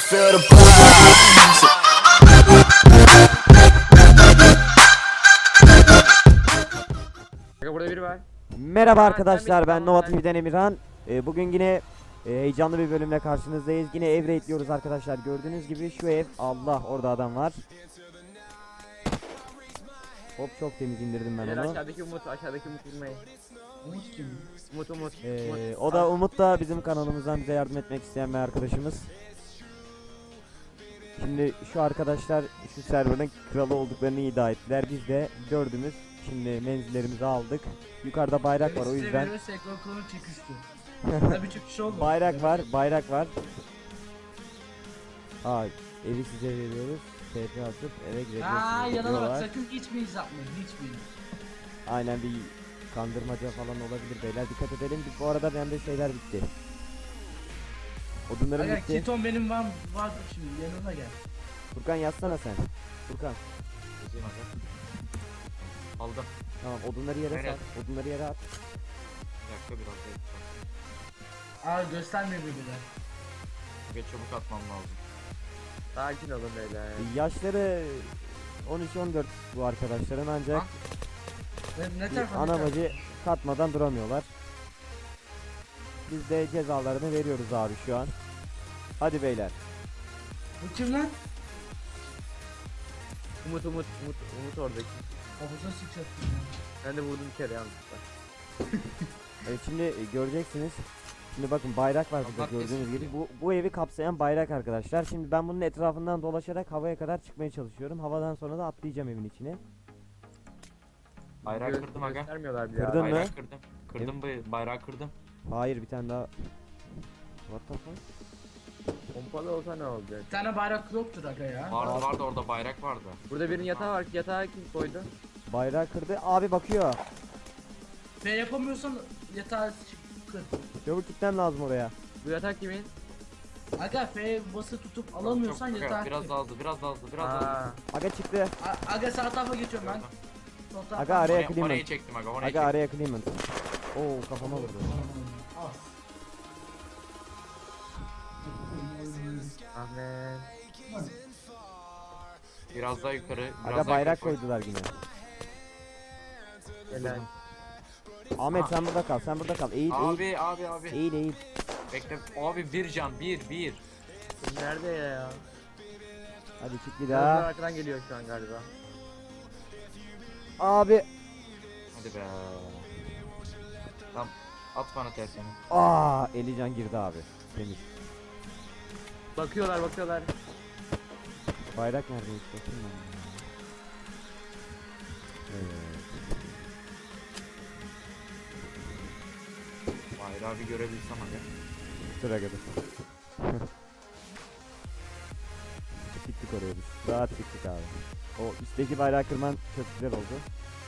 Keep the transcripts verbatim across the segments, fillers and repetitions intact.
feel the pulse. Burada biri var. Merhaba Aa, arkadaşlar, sen ben mi- Nova Tamam, T V'den Emirhan. Ee, bugün yine e, heyecanlı bir bölümle karşınızdayız. Yine ev raidliyoruz arkadaşlar. Gördüğünüz gibi şu ev, Allah orada adam var. Hop, çok temiz indirdim ben Beyler onu. aşağıdaki Umut, aşağıdaki Umut vurmayı. Umut Umut. Ee, Umut. o da Umut da bizim kanalımızdan bize yardım etmek isteyen bir arkadaşımız. Şimdi şu arkadaşlar şu serverın kralı olduklarını iddia ettiler. Biz de dördümüz şimdi menzillerimizi aldık. Yukarıda bayrak var, o yüzden Tabii çıkış oldu. bayrak var, bayrak var. Aa, evi size veriyoruz. T P atıp eve Aa girebilirsiniz yanına bak, diyorlar. sakın hiçbiriniz yapmayın, hiçbiriniz. Aynen, bir kandırmaca falan olabilir beyler, dikkat edelim. Biz bu arada bende şeyler bitti. Odunlarım Aga bitti. keton benim var, var şimdi yanına gel. Furkan yazsana sen. Furkan. Yazayım aga. Aldım. Tamam, odunları yere Evet. sat. Odunları yere at. Bir dakika biraz da yapacağım. Aa gösterme birbirine. Ve çabuk atmam lazım. Sakin olun beyler. Yaşları on üç on dört bu arkadaşların, ancak Ha? Ne, ne bir tarafa? ana ne tarafa? bacı katmadan duramıyorlar. Biz de cezalarını veriyoruz abi şu an. Hadi beyler. Bu kim lan? Umut Umut Umut Umut oradaki. Kafasına sıçrattım. Ben de vurdum bir kere yanlışlıkla. Evet, şimdi e, göreceksiniz. Şimdi bakın, bayrak var burada Kapat gördüğünüz kesin. gibi. Bu, bu evi kapsayan bayrak arkadaşlar. Şimdi ben bunun etrafından dolaşarak havaya kadar çıkmaya çalışıyorum. Havadan sonra da atlayacağım evin içine. Bayrağı Gö- kırdım aga. Göstermiyorlar bile. Kırdın ya. mı? Bayrağı kırdım. Kırdım bu bayrağı kırdım. Hayır, bir tane daha. What the fuck? Pompalı olsa ne olacak? Bir tane bayrak yoktur aga ya. Vardı vardı orada bayrak vardı. Burada birinin yatağı var. Yatağı kim koydu? Bayrağı kırdı. Abi bakıyor. F yapamıyorsan yatağı kır. Çabuk gitmem lazım oraya. Bu yatak kimin? Aga F bası tutup alamıyorsan Çok- çok- yatağı Biraz kır. daha hızlı biraz daha hızlı biraz daha hızlı. Aa, Aga çıktı. A- Aga sağ tarafa geçiyorum ben. Sol tarafa. Aga araya Oraya, Clement. orayı çektim aga orayı Aga çektim. araya Clement. Oo, kafama vurdu. Al. Ahmet. Biraz daha yukarı. Biraz Aga daha bayrak yukarı koy. koydular yine. Helal. Ahmet Ha. sen burada kal, sen burada kal. Eğil, eğil. Abi abi abi. Eğil, eğil. Bekle. Abi bir can bir bir. Nerede ya? Hadi çık bir Biraz daha. arkadan geliyor şu an galiba. Abi. Hadi be. Tamam. At bana tersini. Aa, Elican girdi abi. Temiz. Bakıyorlar bakıyorlar. Bayrak nerede hiç bakayım ben. Evet. Bayrağı bir görebilsem aga. Sıra kadar. Çıktık oraya biz. Rahat çıktık abi. O üstteki bayrağı kırman çok güzel oldu.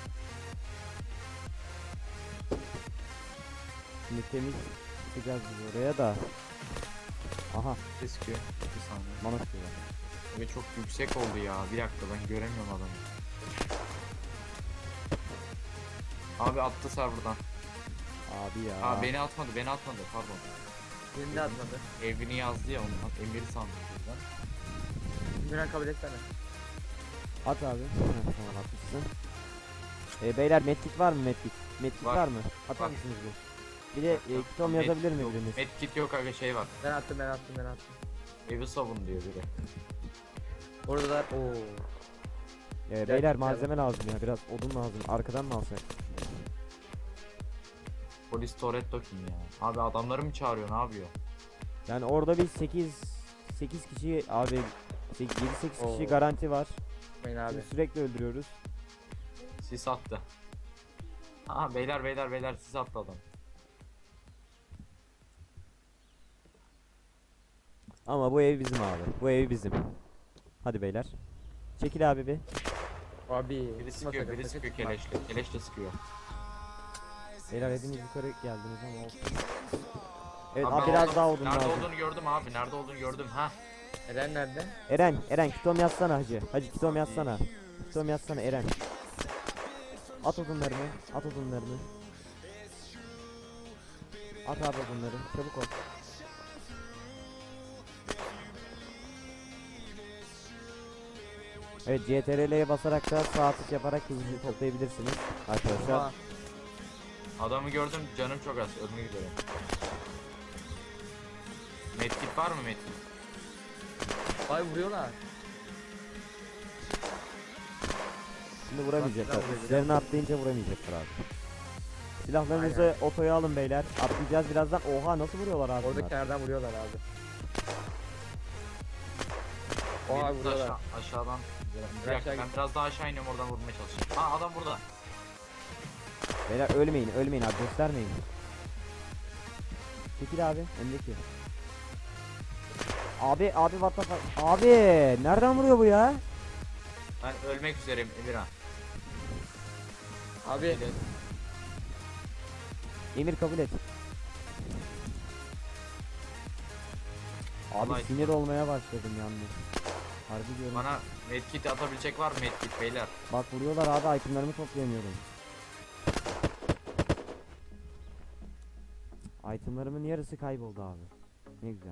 Şimdi temiz çıkacağız biz oraya da. Aha, Ne sıkıyor? Bir saniye. bana sıkıyorlar. Ve çok yüksek oldu ya. Bir dakika ben göremiyorum adamı. Abi attı serverdan. Abi ya. Aa beni atmadı, beni atmadı. Pardon. Birini de atmadı. Evini yazdı ya ondan. Emiri sandım buradan. Birini kabul etsene. At abi. Heh, tamam, atmışsın. E, beyler medkit var mı medkit? Medkit var, Var. mı? Atar Var. mısınız bir? Bir de e, kitom yazabilir mi biriniz? Medkit yok aga şey var. Ben attım ben attım ben attım. Evi savun diyor biri. Oradalar. Oo. E, beyler malzeme lazım ya, biraz odun lazım. Arkadan mı alsak? Polis Toretto kim ya? Abi adamları mı çağırıyor ne yapıyor? Yani orada bir sekiz sekiz kişi abi, yedi sekiz kişi Oo. garanti var. Ben abi. Şimdi sürekli öldürüyoruz. Sis attı. Aha beyler beyler beyler sis attı adam. Ama bu ev bizim abi. Bu ev bizim. Hadi beyler. Çekil abi bir. Abi. Biri sıkma sıkıyor sakın, biri sakın sıkıyor sıkma. keleşle. Keleş de sıkıyor. Beyler hepiniz yukarı geldiniz ama olsun. Evet Abi abi, ben biraz oldum. daha odun Nerede lazım. olduğunu gördüm abi nerede olduğunu gördüm ha. Eren nerede? Eren, Eren kitom yazsana hacı. Hacı kitom yazsana. Kitom yazsana Eren. At odunlarını, at odunlarını. At abi odunları, çabuk ol. Evet, C T R L'ye basarak da sağ tık yaparak hızlı toplayabilirsiniz arkadaşlar. Aa, Adamı gördüm, canım çok az, ölmek üzere. Medkit var mı medkit? Ay vuruyorlar. Şimdi vuramayacaklar. Bak, silah Üzerine atlayınca vuramayacaklar abi. Silahlarınızı otoya alın beyler. Atlayacağız birazdan. Oha, nasıl vuruyorlar abi Orada bunlar? kenardan vuruyorlar abi. Oha Medkit vuruyorlar. aşağı, aşağıdan. Bir Aşağı dakika, ben git. biraz daha aşağı iniyorum, oradan vurmaya çalışacağım. Aa, adam burada. Beyler ölmeyin, ölmeyin abi, göstermeyin. Çekil abi, öndeki. Abi, abi what the fuck? Abi, nereden vuruyor bu ya? Ben ölmek üzereyim Emirhan. Abi Emir kabul et. Abi Vallahi- sinir olmaya başladım yalnız. Harbi diyorum. Bana medkit atabilecek var mı medkit beyler? Bak vuruyorlar abi, itemlerimi toplayamıyorum. Itemlarımın yarısı kayboldu abi. Ne güzel.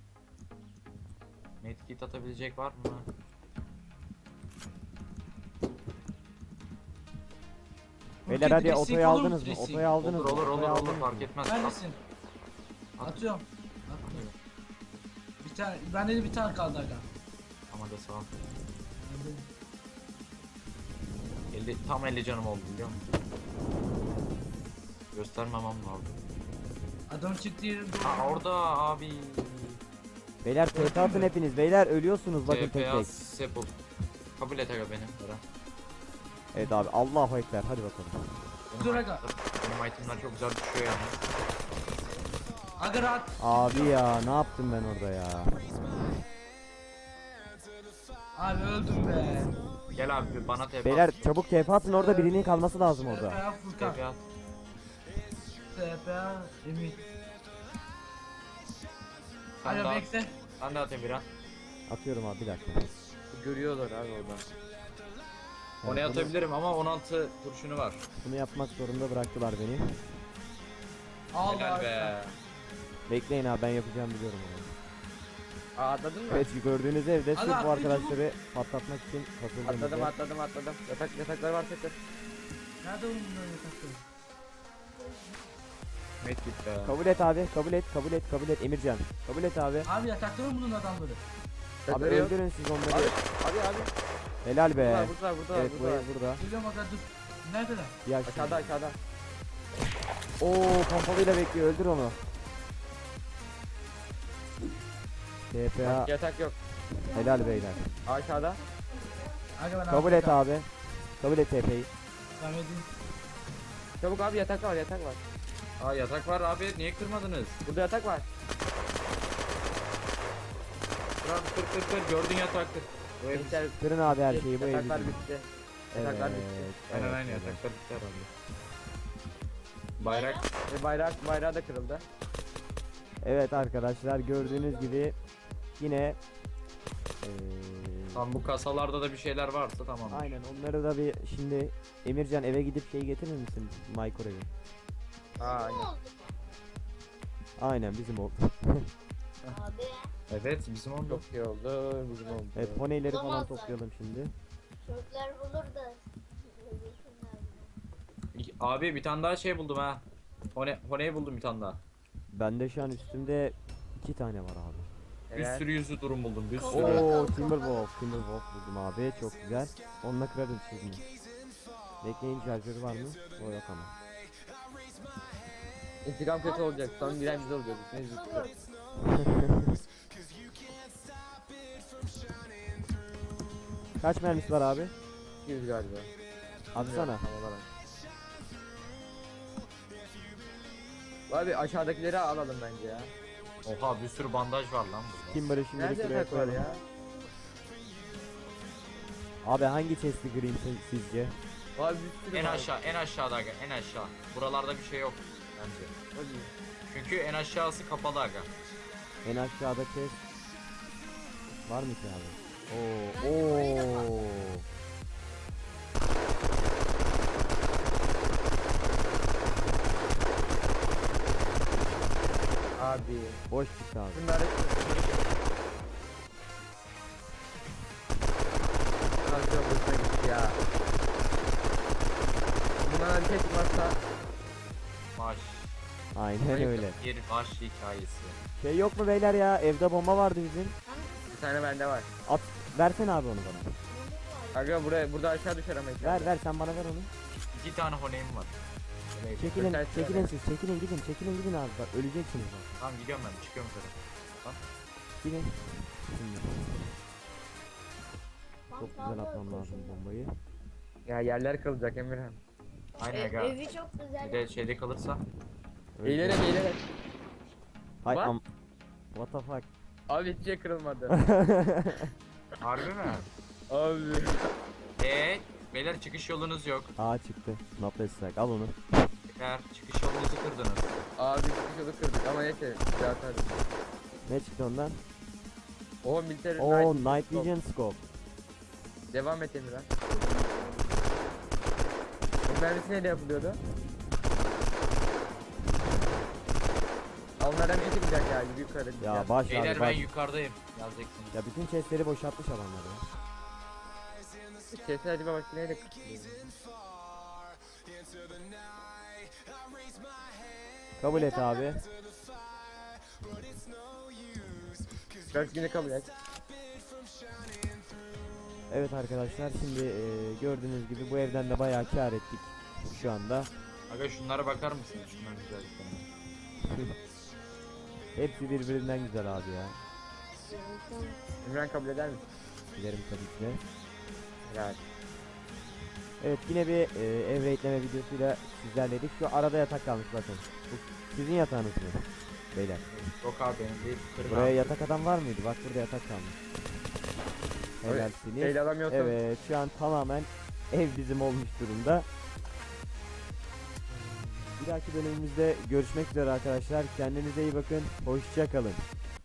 Medkit atabilecek var mı? Beyler Ulti hadi dressing otoyu olur mu aldınız mı? dressing? Otoyu aldınız Olur mı? olur olur Otoyu olur aldınız fark mı? etmez. Neredesin? At. Atıyorum. Atmıyorum. Bir tane, bende de bir tane kaldı aga. Ama da sağ ol. elli, tam elli canım oldu biliyor musun? Göstermemem lazım. Adam çıktı yerim doğru. Ha orada abi. Beyler T P atın hepiniz. Beyler ölüyorsunuz bakın T tek P A tek. Sepul. Kabul et aga beni. Bera. Evet abi, Allahu Ekber, hadi bakalım. Benim Dur aga. itemler- Benim itemler çok güzel düşüyor yani. Aga rahat. Abi ya, ne yaptım ben orada ya? Abi öldüm be. Gel abi bir bana T P Beyler at. çabuk T P atın, orada birinin kalması lazım T P orada. A Furkan. T P at. T P A Emir. Sen de Alo at. bekle. Sen de at Emirhan. Atıyorum abi, bir dakika. görüyorlar abi orada. Onu Evet, bunu- atabilirim ama on altı kurşunu var. Bunu yapmak zorunda bıraktılar beni. Al Helal abi. be. Bekleyin abi, ben yapacağım, biliyorum onu. Aa, atladın mı? Evet, gördüğünüz evde sırf Aga, bu arkadaşları patlatmak için Atladım kasıldığımızda. atladım atladım. Yatak yataklar var tekrar. Nerede oğlum bunların yatakları? Medkit be. Kabul et abi, kabul et, kabul et, kabul et Emircan. Kabul et abi. Abi yatakta mı bunun adamları? Abi Yatakları yok. öldürün siz onları. Abi abi abi. Helal be. Burada burada burada Evet, bu burada. ev burada. Geliyorum aga dur. Neredeler? Bir Aşağıda aşağıda. Oo, pompalıyla bekliyor, öldür onu. T P A, Yatak yok. helal beyler. Aşağıda. Aga ben Kabul et abi. Kabul et T P'yi. Tamam edeyim. Çabuk abi yatak var yatak var. Aa yatak var abi niye kırmadınız? Burada yatak var. Kır abi kır kır kır gördün yatak kır. Bu ev Gençler Kırın abi her şeyi, bu ev yataklar bizim. bitti. Yataklar bitti. Evet, aynen evet, aynen evet. yataklar bitti herhalde. Bayrak. Ve bayrak bayrağı da kırıldı. Evet arkadaşlar, gördüğünüz gibi yine eee, Tam bu kasalarda da bir şeyler varsa tamam. aynen onları da bir şimdi Emircan eve gidip şey getirir misin? Microwave'i. Aa aynen. Aynen bizim oldu. Abi Evet bizim oldu. Çok iyi oldu bizim oldu. Evet, poneyleri falan Olamaz toplayalım şimdi. çocuklar bulur da. Abi bir tane daha şey buldum ha. Hone, Hone'yi buldum bir tane daha. Bende şu an üstümde iki tane var abi. Bir Evet. sürü yüzü durum buldum bir Tamam. sürü. Oo, Timberwolf, Timberwolf buldum abi, çok güzel. Onunla kırarım şimdi. Bekleyin, şarjörü var mı? O yok ama. İntikam kötü olacak. Son giren biz olacağız. Ne zıplıyor. Kaç mermisi var abi? iki yüz galiba. Atsana. Tam olarak. Abi aşağıdakileri alalım bence ya. Oha bir sürü bandaj var lan burada. Timber'ı şimdi Nerede şuraya yatak var koyalım. ya? Abi hangi chest'i kırayım sen- sizce? Abi bir sürü En var. aşağı en aşağıda aga en aşağı. Buralarda bir şey yok bence. Hadi. Çünkü en aşağısı kapalı aga. En aşağıda chest var mı ki abi? Oo, oo. Abi. Boş çıktı abi. Bunları bana bir şey çıkmazsa Baş. Aynen öyle. Bir baş hikayesi. Şey yok mu beyler ya? Evde bomba vardı bizim. bir tane bende var. At versene abi onu bana. Aga buraya burada aşağı düşer ama. Ver ver sen bana ver onu. İki tane honeyim var. Evet. Çekilin Öter- çekilin siz çekilin gidin çekilin gidin abi bak öleceksiniz bak. Tamam gidiyorum ben çıkıyorum yukarı. Gidin. Şimdi çok güzel Mantarlı atmam lazım koşun. bombayı. Ya yerler kalacak Emirhan. Aynen Ev, aga. evi çok güzel. Bir de şeyde kalırsa. Eğilerek eğilerek. Hay What? am. What the fuck? Abi hiçbir şey kırılmadı. Harbi mi? Abi. Eee beyler çıkış yolunuz yok. Aa çıktı. Not strike al onu. Beyler çıkış yolunuzu kırdınız. Abi bir yolu kırdık ama neyse. Zaten. Ne çıktı ondan? O militer Oo Night. Night Vision Scope. Devam et Emirhan. Bu mermisi neyle yapılıyordu? Onlardan bir çıkacak yani yukarı. Ya baş Beyler abi ben baş. yukarıdayım. Yazacaksınız. Ya bütün chestleri boşaltmış adamlar ya. Kesin acaba başka neyle kırılıyor? Kabul et abi. Dört günü kabul et. Evet arkadaşlar şimdi e, gördüğünüz gibi bu evden de bayağı kar ettik şu anda. Aga şunlara bakar mısınız? Şunların güzelliklerine. Hepsi birbirinden güzel abi ya. Emirhan kabul eder misin? Dilerim tabii ki de. Yani. Evet yine bir e, ev raidleme videosuyla sizlerleydik. Şu arada yatak kalmış bakın. Bu sizin yatağınız mı? Beyler. Yok abi benim değil. Kırın Buraya abi. yatak adam var mıydı? Bak burada yatak kalmış. Helalsiniz. Şeyle alamıyorsun. Evet şu an tamamen ev bizim olmuş durumda. Bir dahaki bölümümüzde görüşmek üzere arkadaşlar. Kendinize iyi bakın. Hoşça kalın.